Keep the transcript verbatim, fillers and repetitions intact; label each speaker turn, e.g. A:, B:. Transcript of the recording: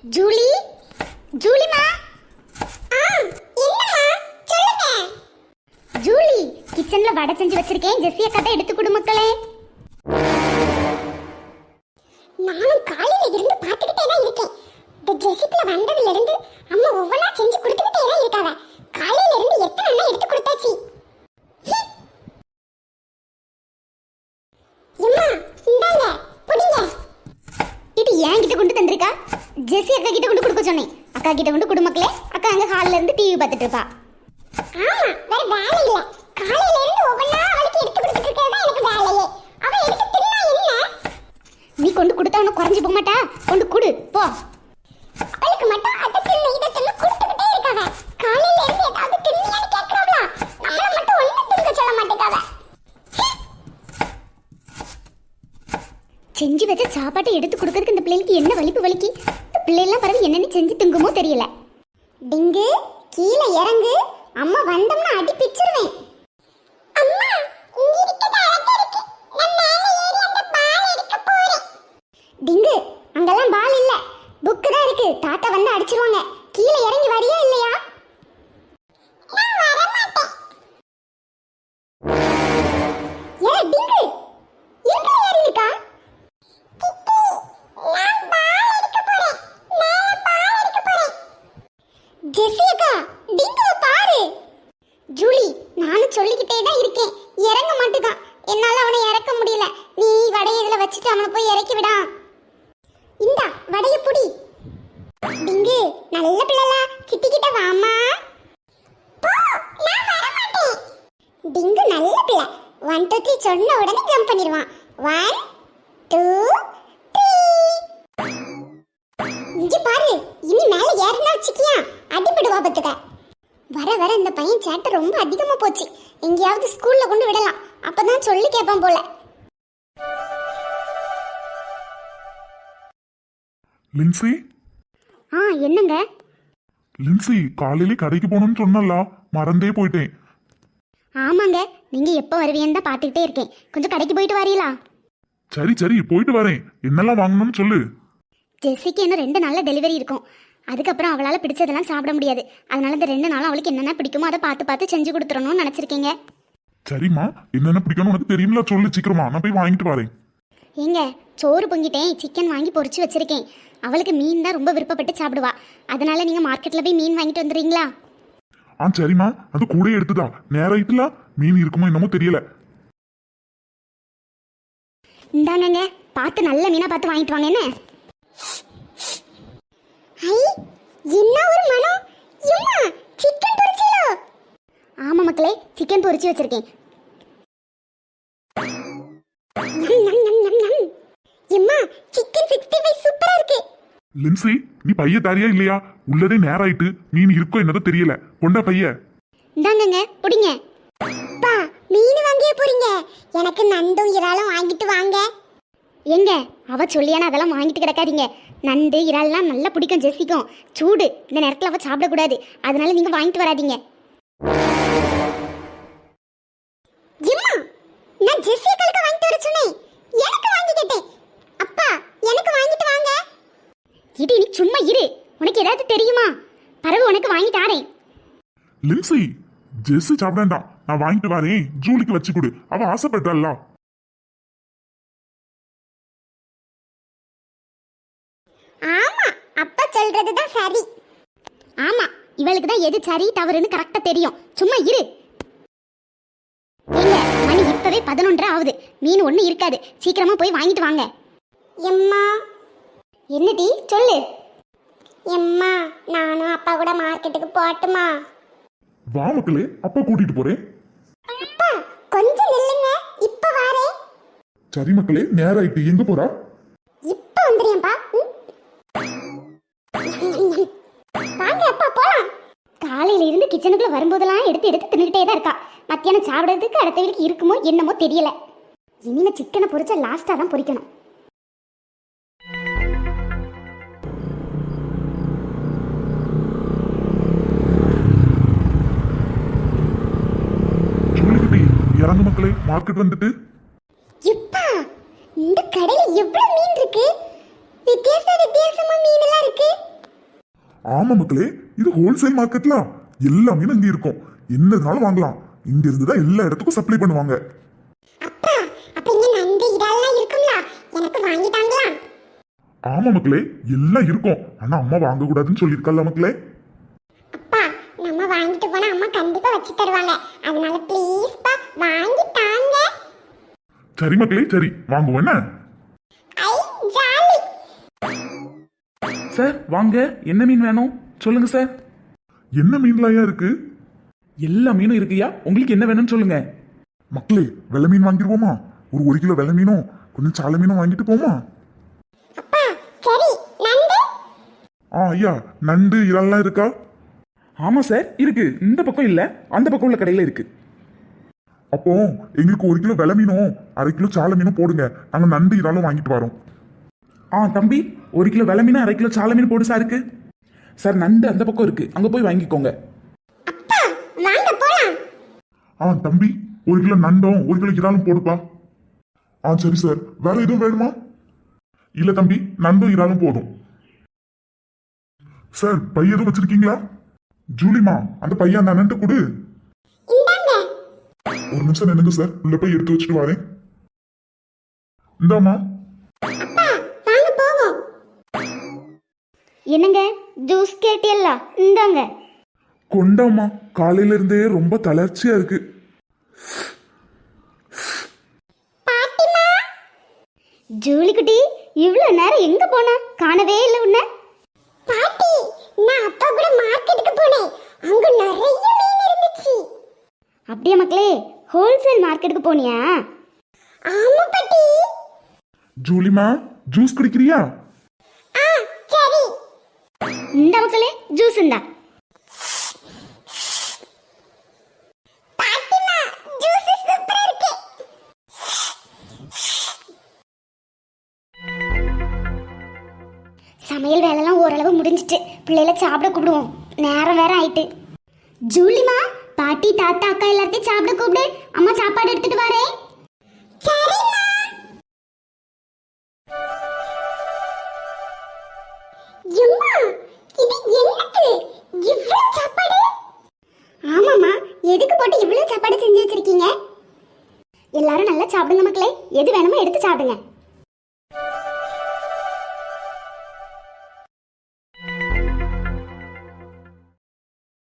A: Julie, ஜூலிமா. ஆ, என்னம்மா? சொல்லுங்க. Julie, கிச்சன்ல வடை செஞ்சு வச்சிருக்கேன். ஜெஸ்ஸி அக்கா தான் எடுத்து கொடு மக்களே. நானும் காலையில இருந்து பார்த்துக்கிட்டே தான் இருக்கேன். இந்த ஜெசிப்ல வந்ததுல இருந்து அம்மா ஒவ்வொன்றா செஞ்சு கொடுத்துக்கிட்டே தான் இருக்காவ. காலையில இருந்து எத்தனை அண்ணா எடுத்து கொடுத்தாச்சு. அம்மா இந்தாங்க புடிங்க. இது ஏன் கிட்ட கொண்டு தந்திருக்கா? ஜெசி அக்கா கிட்ட கொண்டு கொடுக்க சொன்னேன். அக்கா கிட்ட கொண்டு கொடு மக்களே. அக்கா அங்க ஹால்ல இருந்து டிவி பார்த்துட்டு இருப்பா. ஆமா, வேற வேலை இல்ல. காலையில இருந்து ஒவ்வொன்றா அவளுக்கு எடுத்து கொடுத்துட்டு இருக்கறது தான் எனக்கு வேலையே. அவ எடுத்து தின்னா என்ன? நீ கொண்டு கொடுத்தா அவன குறைஞ்சு போக மாட்டா. கொண்டு கொடு போ. அவளுக்கு மட்டும் அத தின்னு இத தின்னு கொடுத்துக்கிட்டே இருக்காவ. காலையில இருந்து ஏதாவது தின்னியான்னு கேக்குறாவளா? நம்மள மட்டும் ஒண்ணு தின்க சொல்ல மாட்டேங்காவ. செஞ்சு வச்ச சாப்பாட்டை எடுத்து கொடுக்கறதுக்கு இந்த பிள்ளைக்கு என்ன வலிப்பு வலிக்கு. இந்த பிள்ளைலாம் பரவாயில்ல என்னன்னு செஞ்சு திங்குமோ தெரியல. டிங்கு கீழே இறங்கு. அம்மா வந்தோம்னா அடி பிச்சிருவேன். அம்மா இங்க இருக்குது அழகா இருக்கு. நான் மேலே ஏறி அந்த பால் எடுக்க போறேன். டிங்கு அங்கெல்லாம் பால் இல்ல, புக் தான் இருக்கு. தாத்தா வந்து அடிச்சிருவாங்க. கீழே இறங்கி வரியா இல்லையா? நான் வர மாட்டேன். ஏ டிங்கு எங்க ஏறி இருக்கா? கிட்டி நான் பால் எடுக்க போறேன். மேலே பால் எடுக்க போறேன். ஜெசிகா டிங்கு பாரு. ஜூலி நானும் சொல்லிக்கிட்டே தான் இருக்கேன், இறங்க மாட்டேதான். என்னால அவனை இறக்க முடியல. நீ வடைய இதுல வச்சுட்டு அவனை போய் இறக்கி விடா. இந்தா வடைய புடி. டிங்கு நல்ல பிள்ளைல சித்திக்கிட்ட வாமா. போ, நான் வர மாட்டேன். டிங்கு நல்ல பிள்ளை. ஒன் டூ த்ரீ சொன்ன உடனே ஜம்ப் பண்ணிடுவான். One two three. இங்க பாரு, இனி மேல ஏறினா வச்சுக்கியா அடிபடுவா பத்துக்க. வர வர இந்த பையன் சேட்டை ரொம்ப அதிகமா போச்சு. எங்கேயாவது ஸ்கூல்ல கொண்டு விடலாம், அப்பதான் சொல்லி கேட்பான் போல.
B: லின்சி.
A: ஆ என்னங்க?
B: லின்சி காலையில கடைக்கு போகணும்னு சொன்னல, மறந்தே போயிட்டேன்.
A: ஆமாங்க, நீங்க எப்போ வருவீன்னு தான் பார்த்துக்கிட்டே இருக்கேன். கொஞ்சம் கடைக்கு போயிட்டு வரீங்களா?
B: சரி சரி போயிட்டு வரேன். என்னெல்லாம் வாங்கணும்னு சொல்லு.
A: ஜெஸ்ஸிக்கு இன்னும் ரெண்டு நாளில் டெலிவரி இருக்கும். அதுக்கப்புறம் அவளால் பிடிச்சதெல்லாம் சாப்பிட முடியாது. அதனால இந்த ரெண்டு நாளும் அவளுக்கு என்னென்ன பிடிக்குமோ அதை பார்த்து பார்த்து செஞ்சு கொடுத்துடணும்னு நினச்சிருக்கீங்க.
B: சரிம்மா, என்னென்ன பிடிக்கணும் உனக்கு தெரியுமில, சொல்லு சீக்கிரமா, நான் போய் வாங்கிட்டு வரேன்.
A: ஏங்க சோறு பொங்கிட்டேன், சிக்கன் வாங்கி பொரிச்சு வச்சிருக்கேன். அவளுக்கு மீன் தான் ரொம்ப விருப்பப்பட்டு சாப்பிடுவா. அதனால நீங்க மார்க்கெட்ல போய் மீன் வாங்கிட்டு வந்துடுறீங்களா?
B: ஆ சரிம்மா, அது கூட எடுத்துதா. நேராயிட்டுல மீன் இருக்குமோ என்னமோ தெரியல.
A: இந்தாங்க, பார்த்து நல்ல மீனா பார்த்து வாங்கிட்டு வாங்க. என்ன ஐ என்ன ஒரு மனம். எம்மா சிக்கன் பொரிச்சீங்களோ? ஆமா மக்களே, சிக்கன் பொரிச்சு வச்சிருக்கேன். எம்மா சிக்கன் சிக்ஸ்டி ஃபைவ் சூப்பரா இருக்கு.
B: லின்சி நீ பைய தாரியா இல்லையா? உள்ளதே நேராயிட்டு மீன் இருக்கோ என்னதோ தெரியல. கொண்டா பைய.
A: இந்தாங்கங்க புடிங்க. பா மீன் வாங்கியே போறீங்க? எனக்கு நண்டும் இறாலும் வாங்கிட்டு வாங்க. எங்க அவ சொல்லியானா அதெல்லாம் வாங்கிட்டு கிடக்காதீங்க. நண்டு இறால்லாம் நல்லா பிடிக்கும் ஜெசிக்கும். சூடு இந்த நேரத்தில் அவ சாப்பிடக்கூடாது. அதனால நீங்க வாங்கிட்டு வராதீங்க. நான் ஜெசிகளுக்கு வாங்கிட்டு வர சொன்னேன், எனக்கு வாங்கி கேட்டேன். அப்பா எனக்கு வாங்கிட்டு வாங்க. இது நீ சும்மா இரு, உனக்கு ஏதாவது தெரியுமா? பரவு உனக்கு வாங்கி தாரேன்.
B: லின்சி ஜெசி சாப்பிடா, நான் வாங்கிட்டு வரேன். ஜூலிக்கு வச்சு கொடு, அவ ஆசைப்பட்டால.
A: ஆமா அப்பா சொல்றதுதான் சரி. ஆமா இவளுக்கு தான் எது சரி தவறுன்னு கரெக்டா தெரியும். சும்மா இரு. ஏங்க மணி இப்பவே பதினொன்றரை ஆகுது. மீன் ஒண்ணு இருக்காது. சீக்கிரமா போய் வாங்கிட்டு வாங்க. எம்மா என்னடி சொல்லு. எம்மா நானும் அப்பா கூட மார்க்கெட்டுக்கு போட்டுமா?
B: வா மக்களே, அப்பா கூட்டிட்டு போறேன்.
A: அப்பா கொஞ்சம் நில்லுங்க, இப்ப வாரேன்.
B: சரி மக்களே, நேராயிட்டு. எங்க போறா?
A: இப்ப வந்துறியம்பா. வாங்க அப்பா போலாம். காலையில இருந்து கிச்சனுக்குள்ள வரும்போதெல்லாம் எடுத்து எடுத்து தின்னுகிட்டே தான் இருக்கா. மத்தியானம் சாப்பிடுறதுக்கு அடுத்த வீட்டுக்கு இருக்குமோ என்னமோ தெரியல. இனிமே சிக்கனை பொரிச்சா லாஸ்டா தான் பொரிக்கணும்.
B: இறங்கு மக்களே, மார்க்கெட் வந்துட்டு.
A: இப்பா இந்த கடையில எவ்வளவு மீன் இருக்கு. வித்தியாச வித்தியாசமா மீன் எல்லாம் இருக்கு.
B: ஆமா மக்களே, இது ஹோல்சேல் மார்க்கெட்ல எல்லா மீனும் இங்க இருக்கும். என்னதுனாலும் வாங்கலாம். இங்க இருந்து தான் எல்லா இடத்துக்கும் சப்ளை பண்ணுவாங்க.
A: அப்பா அப்ப இங்க நண்டு இதெல்லாம் இருக்கும்ல, எனக்கு வாங்கிட்டாங்களா?
B: ஆமா மக்களே, எல்லாம் இருக்கும். ஆனா அம்மா வாங்க கூடாதுன்னு சொல்லியிருக்கல மக்களே.
A: அப்பா நம்ம வாங்கிட்டு போனா அம்மா கண்டிப்பா வச்சு தருவாங்க. அதனால ப்ளீஸ் பா வாங்கி தாங்க.
B: சரி மக்களே, சரி வாங்குவோம் என்ன?
A: ஐ ஜாலி.
C: சார் வாங்க, என்ன மீன் வேணும் சொல்லுங்க சார்.
B: என்ன மீன்லாயா இருக்கு?
C: எல்லா மீனும் இருக்குயா, உங்களுக்கு என்ன வேணும்னு சொல்லுங்க.
B: மக்களே, வெள்ளை மீன் வாங்கிடுவோமா? ஒரு ஒரு கிலோ வெள்ளை மீனும் கொஞ்சம் சாலை மீனும் வாங்கிட்டு போமா?
A: அப்பா சரி, நண்டு?
B: ஆ ஐயா, நண்டு இறால்லாம் இருக்கா?
C: ஆமா சார் இருக்கு, இந்த பக்கம் இல்ல அந்த பக்கம் உள்ள கடையில இருக்கு.
B: அப்போ எங்களுக்கு ஒரு கிலோ வெள்ளை மீனும் அரை கிலோ சாலை மீனும் போடுங்க. நாங்க நண்டு இறாலும் வாங்கிட்டு வரோம்.
C: ஆ தம்பி, ஒரு கிலோ வெள்ளை மீன் அரை கிலோ சாலை மீன் போடு சார். இருக்கு சார், நண்டு அந்த பக்கம் இருக்கு, அங்க போய் வாங்கிக்கோங்க.
A: அப்பா வாங்க போலாம்.
B: ஆ தம்பி, ஒரு கிலோ நண்டும் ஒரு கிலோ இறாலும் போடுப்பா. ஆ சரி சார், வேற எதுவும் வேணுமா? இல்ல தம்பி, நண்டும் இறாலும் போதும். சார், பை எதுவும் வச்சிருக்கீங்களா? ஜூலிமா, அந்த பையன் அந்த நண்டு கொடு.
A: இந்தாங்க.
B: ஒரு நிமிஷம் நின்னுங்க சார், உள்ள போய் எடுத்து வச்சுட்டு வரேன். இந்தாமா.
A: அப்பா வாங்க போவோம்.
D: என்னங்க ஜூஸ் கேட்டியல்ல, இந்தாங்க.
B: கொண்டாமா, காலையில இருந்தே ரொம்ப தளர்ச்சியா இருக்கு.
A: பாட்டிமா.
D: ஜூலி குட்டி, இவ்வளோ நேரம் எங்க போன? காணவே இல்லை உன்ன.
A: பாட்டி, நான் அப்பா கூட மார்க்கெட்டுக்கு போனேன். அங்க நிறைய மீன் இருந்துச்சு.
D: அப்படியே மக்களே, ஹோல்சேல் மார்க்கெட்டுக்கு போனியா?
A: ஆமா பாட்டி.
B: ஜூலிமா, ஜூஸ் குடிக்கிறியா?
A: ஆ சரி.
D: இந்த மக்களே ஜூஸ் இந்தா.
A: பாட்டிமா, ஜூஸ் சூப்பரா இருக்கு.
D: சமையல் வேலைலாம் ஓரளவு முடிஞ்சிட்டு பிள்ளைகளை சாப்பிட கூப்பிடுவோம், நேரம் வேற ஆயிட்டு. ஜூலிமா, பாட்டி தாத்தா அக்கா எல்லாத்தையும் சாப்பிட கூப்பிடு, அம்மா சாப்பாடு எடுத்துட்டு வரேன்.
A: சரிம்மா. எம்மா, இது என்னது? இவ்வளவு சாப்பாடு?
D: ஆமாம்மா, எதுக்கு போட்டு இவ்வளோ சாப்பாடு செஞ்சு வச்சிருக்கீங்க? எல்லாரும் நல்லா சாப்பிடுங்க மக்களே, எது வேணுமோ எடுத்து சாப்பிடுங்க.